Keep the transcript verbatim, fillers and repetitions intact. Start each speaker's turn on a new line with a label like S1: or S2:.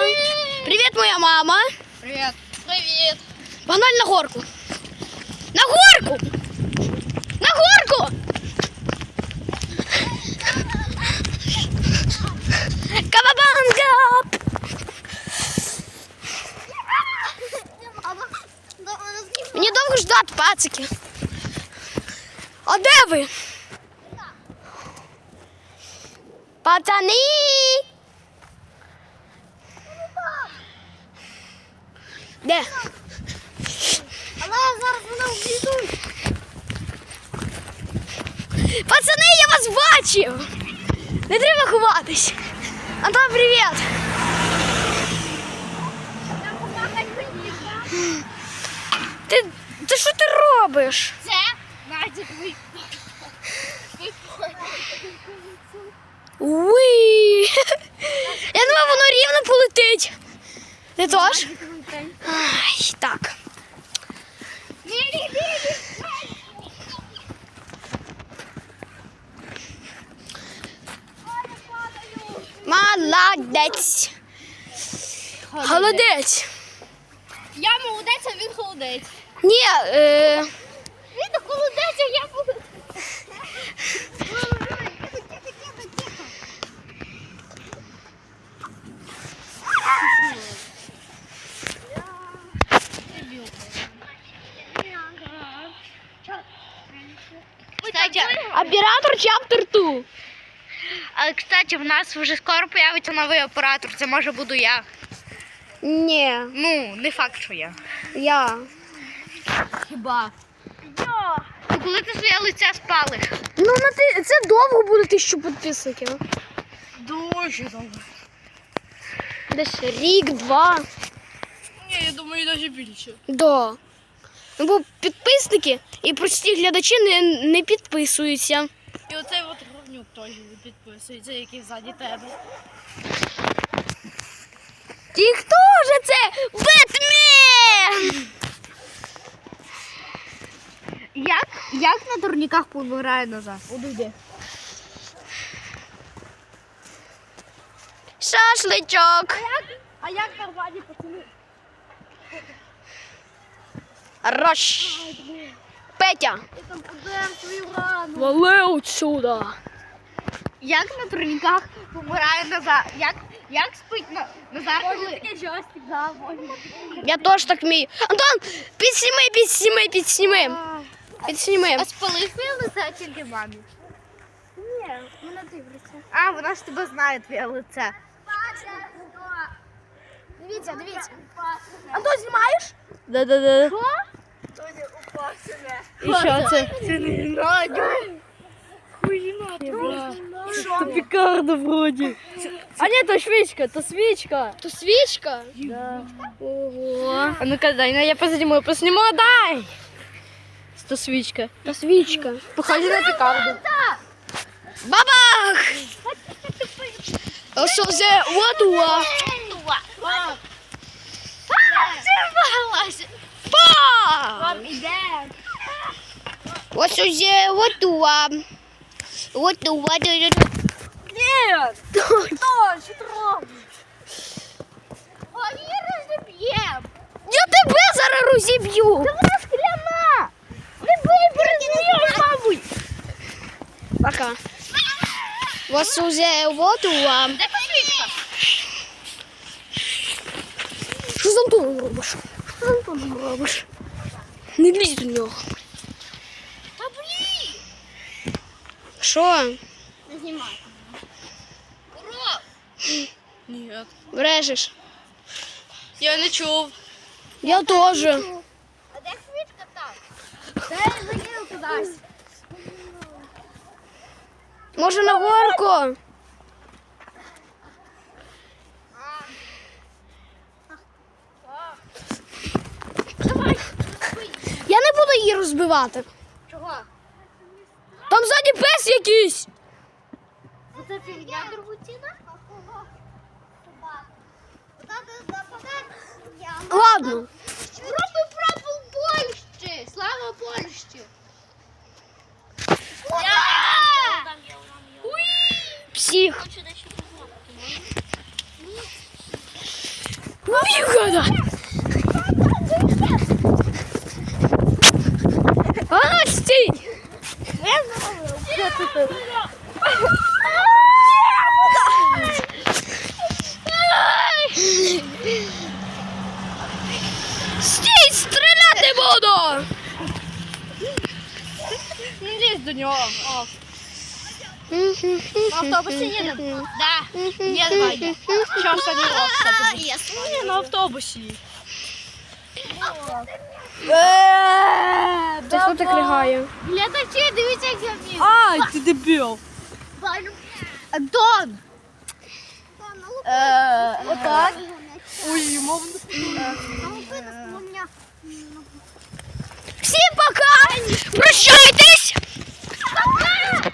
S1: Привет, моя мама.
S2: Привет. Привет.
S1: Погнали на горку. На горку! На горку! Кавабанга! Мені довго ждати, пацики. А де ви? Пацани! Де?
S2: Але зараз вона вб'ють.
S1: Пацани, я вас бачив! Не треба ховатись. Антон, привіт! Ти, ти що ти робиш?
S2: Це Надя твій.
S1: Уй! Я думаю, воно рівно полетить. Ти теж? Ай, так. Молодець. Холодець.
S2: Я молодець, а він холодець.
S1: Ні, е...
S2: Він холодець, а я молодець. Кстати,
S1: оператор чаптер два.
S2: а, кстати, в нас вже скоро появиться новий оператор. Це може буду я.
S1: Ні,
S2: Ну, не факт, що я.
S1: я.
S2: Хіба? Я. Ну, коли ти своє лице спалиш?
S1: Ну, на ти... це довго буде тисячу підписників.
S2: Дуже довго.
S1: Десь рік-два.
S2: Ні, я думаю, навіть більше.
S1: Да. Ну, бо підписники і прості глядачі не, не підписуються.
S2: І оцей от говнюк теж підписується, який ззаді тебе.
S1: І хто же це? Бетмен!
S2: Як, як на турніках помирає назад? Одійди.
S1: Шашличок.
S2: А як нормальні пацани?
S1: Рош. Петя.
S2: Я там подем свою рану.
S1: Вали отсюда.
S2: Як на турніках помирає назад? Як, як спить на, назад? Може таке жорстик, да, може.
S1: Я теж так вмію. Антон, підсніми, підсніми, підсніми. Підсніми.
S2: А спалив твоє лице тільки мамі? Ні, вона дивиться. А, вона ж тебе знає, твоє лице.
S1: Дивіться, дивіться. Антон, знімаєш?
S2: Да-да-да.
S1: Що?
S2: І що це? Це не радіо. Хуйна,
S1: Що?
S2: пікарда вроді. А ні, то свічка, то свічка.
S1: То свічка?
S2: Да.
S1: Ого.
S2: А ну-ка, дай, ну я позніму, позніму, дай. То свічка.
S1: То свічка.
S2: Похоже на пікарду.
S1: Бабах! Що це? What? Па! Ось уже вот туа. Вот туа.
S2: Нет! Что? Что ты робишь? Они разобьем.
S1: Я тебе зараз розіб'ю.
S2: Вона скляна. Не бий, перезнієш, мабуть.
S1: Пока. Ось уже вот туа.
S2: Де посвічка?
S1: Що з Антоном робиш? Що з Антоном робиш? Не лізь до нього.
S2: Та блін.
S1: Що?
S2: Не знімай. Ура! Ні.
S1: Брешеш?
S2: Я не чув.
S1: Я теж.
S2: А де свічка там? Де я закинув кудись?
S1: Може на горку? Я не буду її розбивати.
S2: Чого?
S1: Там ззаді пес якийсь.
S2: Оце фігня дорогоцінна?
S1: Ладно.
S2: Роби прапор Польщі! Слава Польщі!
S1: Псих. Уйгада. А ну стій. Стій, стріляти буду.
S2: Не лізь до нього. О. На автобусі їдемо? Да. Ні, давай. Час не автобус. Ні, на автобусі.
S1: Ти що так ригає?
S2: Глядачі, дивіться, як я вмію.
S3: Ай, ти дебіл.
S2: Антон! Е, Отак.
S3: Ой, мов.
S1: Всім пока! Прощайтесь!